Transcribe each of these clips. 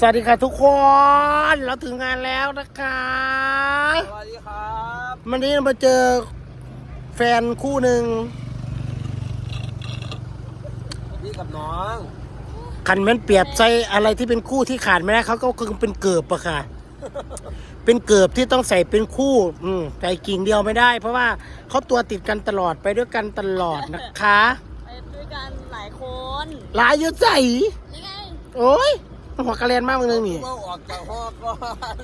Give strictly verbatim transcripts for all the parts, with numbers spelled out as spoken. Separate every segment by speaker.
Speaker 1: สวัสดีค่ะทุกคนเราถึงงานแล้วนะคะ
Speaker 2: สวัสดีครับ
Speaker 1: วันนี้เรามาเจอแฟนคู่หนึ่ง
Speaker 2: พี่กับน้อง
Speaker 1: ขันมันเปรียบใจอะไรที่เป็นคู่ที่ขาดไม่ได้เขาก็คือเป็นเกิบอะค่ะ เป็นเกิบที่ต้องใส่เป็นคู่อืมใส่กิ่งเดียวไม่ได้ เพราะว่าเขาตัวติดกันตลอดไปด้วยกันตลอดนะคะ
Speaker 3: ไปด้วยกันหลายคน
Speaker 1: หลายเยอะใจ
Speaker 3: นี่ไง
Speaker 1: โอ้ยหัวกระเรียนมากมึงนึงนี่
Speaker 2: เอาออกจากห้องก่อน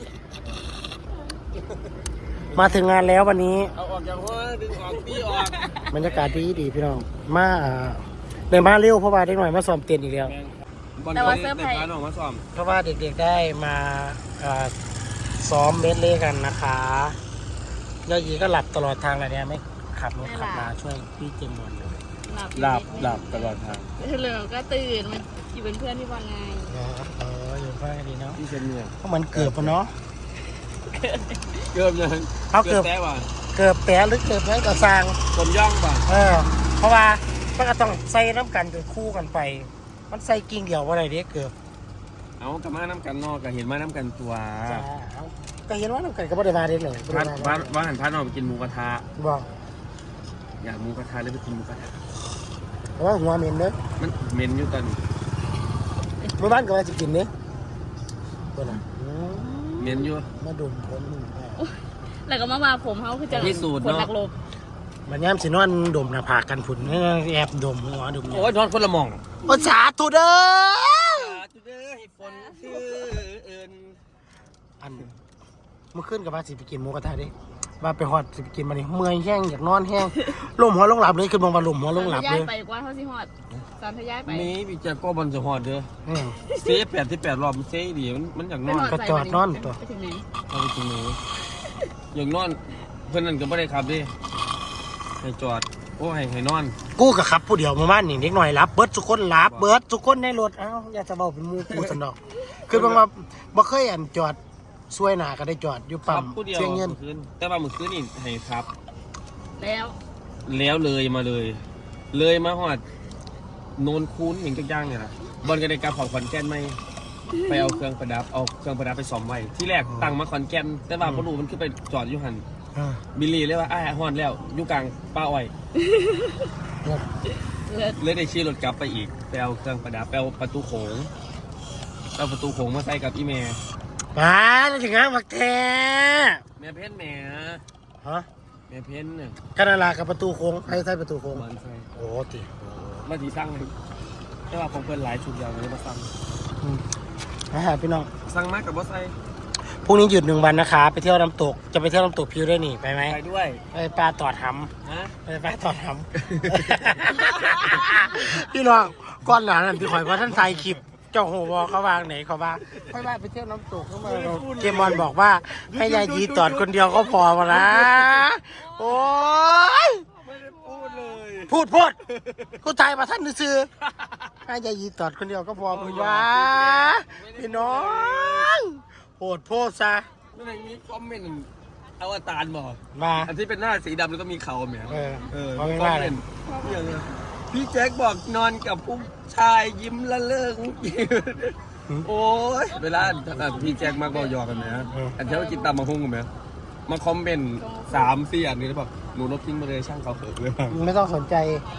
Speaker 1: มาถึงงานแล้ววันนี้
Speaker 2: เอาออกจากห้องดึงออกตีออก
Speaker 1: บรรยากาศดีดีพี่น้องมาเดินมาเร็วเพราะว่าเด็กหน่อยมาซ้อมเต้นอีกแล้ว
Speaker 3: แต่ว่าเสื้อผ้า
Speaker 2: ในการออกมาซ้อม
Speaker 1: เพราะว่าเด็กๆได้มาซ้อมเบสเล่กันนะคะยายีก็หลับตลอดทางเลยเนี่ยไม่ขับรถขับมาช่วยพี่เจมส์มอนเลย
Speaker 2: หลับหลับตลอดทาง
Speaker 3: เหลือก็ตื่นมันอยู่เป็นเพื่อนที่บอลไง
Speaker 1: เอออยู่เพื่อนดีเนาะ
Speaker 2: พี่เชนเนี่ย
Speaker 1: เพราะมันเกือบปะเนาะ
Speaker 2: เกือบยัง
Speaker 1: เอาเกือบ
Speaker 2: แต้ว่ะ
Speaker 1: เกือบแปะหรือเกือบนั้นก็สร้าง
Speaker 2: ต้มย่องป่ะ
Speaker 1: เออเพราะว่ามันก็ต้องใส่น้ำกันเป็นคู่กันไป มันใส่กิ่งเดียวว่าอะไรเด็กเกือบ
Speaker 2: เอากระมาน้ำกันนอกกับเห็นมาน้ำกันตัว
Speaker 1: จ้าเอาก็เห็นว่าน้ำกันก็บ่ได้มาเด็กเลยบ่
Speaker 2: บ้าน
Speaker 1: ได้ม
Speaker 2: บ้านบ้านหันพานออกไปกินหมูกระทะ
Speaker 1: บอก
Speaker 2: อยากหมูกระทะเลยไปกินหมูกระทะ
Speaker 1: เพราะว่าหัวเหม็นเนอะ
Speaker 2: มันเหม็นอยู่ตอนนี้
Speaker 1: เมื่อบ้านก็ว่าจะกินเนอะตัวน่ะอืม
Speaker 2: เหม็นอยู่
Speaker 1: มาดมผมหนึ่งแ
Speaker 3: แล้วก็มาว่าผมเขาคือจะ
Speaker 2: พิสูจน์
Speaker 3: คน
Speaker 2: เนอะ
Speaker 3: นักลบ
Speaker 1: มันย้ำสินอนดมหน้าผากกันผุนแอบดมหัวดม
Speaker 2: โอ้ยนอนคนละหม่อง
Speaker 1: โอ้สาธุเด้อ
Speaker 2: จุดเด้อให้ฝนชื่อเอิญ
Speaker 1: อันเมื่อคืนกับว่าสิไปกินหมูกระทะเดิว่าไปฮอดสิไปกินมานี่เมื่อยแห้งอยากนอนแห้งลมหัวลงหลับเลยคือมองว่าลมหัวลงหลับ
Speaker 3: ย้า
Speaker 1: เลย ย
Speaker 3: ไปกว่าเขาสิฮอดสารทย้ายไป
Speaker 2: มีพี่แจ็คก็บอลจะหอดเด้อ
Speaker 1: อืม
Speaker 2: เซฟแปดที่แปดรอบมันเซฟดีมันมันอยากนอน
Speaker 1: ก็จอดนอนตัว
Speaker 3: ไปถึงไหน
Speaker 2: เอาไปกินหนูอยากนอนเพื่อนนั่นก็ไม่ได้ขับดิให้จอดโอ้ให้ให้นอน
Speaker 1: กูกับขับผู้เดียวเมื่อวานนี่เด็กหน่อยรับเบิร์ดทุกคนรับเบิร์ดทุกคนในรถเอ้าอยากจะบอกเป็นหมูกูสนอกคือบางว่าบ่เคยอันจอดช่วยหนาก็ได้จอดอยู่
Speaker 2: ขั
Speaker 1: ปั๊
Speaker 2: บ
Speaker 1: ม
Speaker 2: ผู้เดียว
Speaker 1: เชียงเงิน
Speaker 2: เมื่อคืนแต่ว่าเมื่อคืนนี่ให้ครับ
Speaker 3: แล้ว
Speaker 2: แล้วเลยมาเลย เลยมาหอดโนนคูนอย่างจักอย่างเนี่ยนะบอลก็ได้กลับขอนขอนแก่นไหมไปเอาเครื่องประดับเอาเครื่องประดับไปซ่อมไว้ที่แรกตั้งมาขอนแก่นแต่ว่าพอรู้มันขึ้นไปจอดอยู่หัน
Speaker 1: อ่า
Speaker 2: บิลลี่เลยว่าอ้ายฮอนแล้วอยู่กลางป้าอ้อย
Speaker 3: เลิศ
Speaker 2: เลยได้ชี้รถกลับไปอีกไปเอาเครื่องประดับไปเอาประตูโขงเอาประตูโขงมาใส่กับอีเมย์
Speaker 1: มาแล้วถึงงานบักแท้
Speaker 2: แม่เพ้นแม่
Speaker 1: ฮะ
Speaker 2: แม่เพ้นเนี่ย
Speaker 1: กันนาลากับประตูโค้งใครใส่ประตูโค้ง
Speaker 2: บอลใส่
Speaker 1: โอ้ติ
Speaker 2: มาทีสั่งเลยแต่ว่าผมเพิ่นหลายชุดยาวเลยมาสั่ง
Speaker 1: นะฮะพี่น้อง
Speaker 2: สั่งมากกับบอสไซ
Speaker 1: พรุ่งนี้หยุดหนึ่งวันนะคะ ไปเที่ยวน้ำตกจะไปเที่ยวน้ำตกพิวได้หนิไปไหม
Speaker 2: ไปด้วย
Speaker 1: ไปปลาตอดห
Speaker 2: ฮะ
Speaker 1: ำไปปลาตอดหำ พี่น้องก้อนหลานนั่นที่ข่อยว่าท่านถ่ายคลิปเจ้าโหวอเขาวางไหนเขาว่าค่อยว่าไปเที่ยวน้ำตกเข้ามาเกมอนบอกว่าให้ยายยีตอดคนเดียวก็พอมาละโอ้ย
Speaker 2: ไม่ได้พูดเลย
Speaker 1: พูดพูดกูถ่ายมาท่านซื้อให้ยายยีตอดคนเดียวก็พอมึงวะพี่น้องโหดโพดซะ
Speaker 2: ไม่ได้มีคอมเมนต์อวตารบอก
Speaker 1: มา
Speaker 2: อันที่เป็นหน้าสีดำแล้วก็มีเขาเหมีย
Speaker 1: เออ
Speaker 2: เออ
Speaker 1: เขาไม่
Speaker 2: คอ
Speaker 1: ว่าม เล
Speaker 2: เม
Speaker 1: ย
Speaker 2: นต์อย่างเงี้ยพี่แจ็คบอกนอนกับผู้ชายยิ้มละเลิงโอ้ยเวลาพี่แจ็คมาบอกหยอกกันนะอันเช้ากินตำมะฮุ่งกันไหมมาคอมเมนต์สามสี่อันนี้แล้วบอกหนูลบทิ้งมาเลยช่างเขาเขินเลย
Speaker 1: ไม่ต้องสนใจ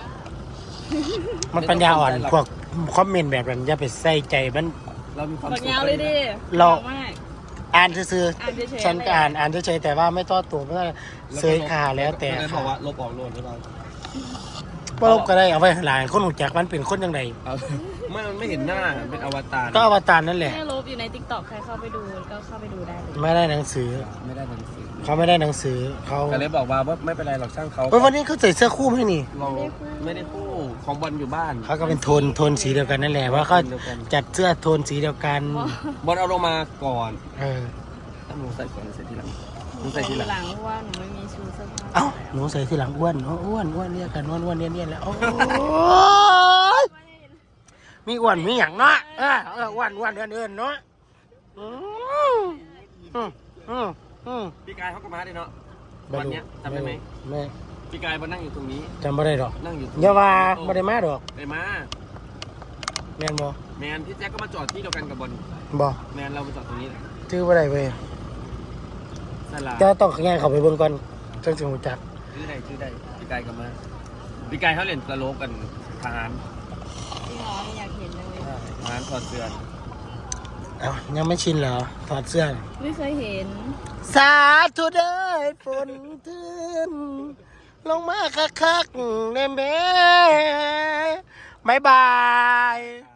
Speaker 1: มันปัญญาอ่อนพวกคอมเมนต์แบบนั้นอย่าไปใส่ใจมัน
Speaker 2: เรามีความ
Speaker 3: บัก
Speaker 2: สุข
Speaker 3: ยาวเลยดิ
Speaker 1: เรา
Speaker 3: มาก
Speaker 1: อ่านซื่อ
Speaker 3: อ่านเฉย
Speaker 1: ๆ
Speaker 3: ๆ
Speaker 1: ฉันก็อ่านอ่านเฉยๆแต่ว่าไม่ต้อตัวไม่ต้องเสยขาแล้วแต่
Speaker 2: ไม่ได้บ
Speaker 1: ค่ะ
Speaker 2: อกว่าลบออกโลดหรือเปล่า
Speaker 1: ว่าลบก็ได้เอาไว้หลายคนหูจักมันเป็นคนยังไง
Speaker 2: เอาไม่มันไม่เห็นหน้าเป็นอวตาร
Speaker 1: ก็อวตารนั่นแหละ
Speaker 3: แม่ลบอยู่ในติ๊กต็อกใครเข้าไปดูก็เข้าไปดูได้เลย
Speaker 1: ไม่ได้หนังสือ
Speaker 2: ไม่ได้หนังสือ
Speaker 1: เขาไม่ได้หนังสือเขา
Speaker 2: ก็เลยบอกว่าว่าไม่เป็นไรหรอกช่างเขา
Speaker 1: เฮ้ยวันนี้เขาใส่เสื้อคู่ไหมนี่
Speaker 2: เราไม่ได้คู่ของบอลอยู่บ้าน
Speaker 1: เขาก็เป็นโทนโทนสีเดียวกันนั่นแหละว่าเขาจัดเสื้อโทนสีเดียวกัน
Speaker 2: บอลเอาลงมาก่อน
Speaker 1: เออ
Speaker 2: ถ้าหนูใส่ก่อนหรือใส่ทีหลังหนู
Speaker 3: ใส่
Speaker 2: ใส่ที
Speaker 3: ที
Speaker 2: หลัง
Speaker 3: หลังเพราะว่าหนูไม่มีชูเสื้อผ้า
Speaker 1: เอ้าหนูใส่ทีหลังอ้วนอ๋ออ้วนอ้วนเนี่ยกันอ้วนอ้วนเนี่ยเนี่ยแล้วโอ้ยมีอ้วนมีหยังเนาะเออเอออ้วนอ้วนเดินเดินเนาะอืมอืมอืมอืม
Speaker 2: พี่กายเขาก็มาดิเนาะวันเนี้ยจำได้ไหม
Speaker 1: ไม่
Speaker 2: พี่กายมานั่งอยู่ตรงนี้
Speaker 1: จำไม่ได้หรอก
Speaker 2: นั่งอยู่ตรง
Speaker 1: อย่าว่าไม่ได้มาหรอก
Speaker 2: ไปมา
Speaker 1: แมนบ่
Speaker 2: แมนพี่แจ็คก็มาจอดที่เดียวกันกับบอล
Speaker 1: บ่
Speaker 2: แมนเรามาจอดตรงนี้
Speaker 1: ชื่อว่าไรเว้ย
Speaker 2: สลา
Speaker 1: จะต้องง่ายเข้าไปเบิ่งก่อนจังสิรู้จัก
Speaker 2: ชื่อใดชื่อใดพี่กายกลับมาพี่กายเขาเล่นตลกกันทหาร
Speaker 3: จริงเหรอไม่อยากเห็นเลย
Speaker 2: ทหารถอดเสื้อ
Speaker 1: เอ้ายังไม่ชินเหรอถอดเสื้อ
Speaker 3: ไม่เคยเห็น
Speaker 1: สาธุเด้อฝนทืนลงมาคักๆแน่แม่บายบาย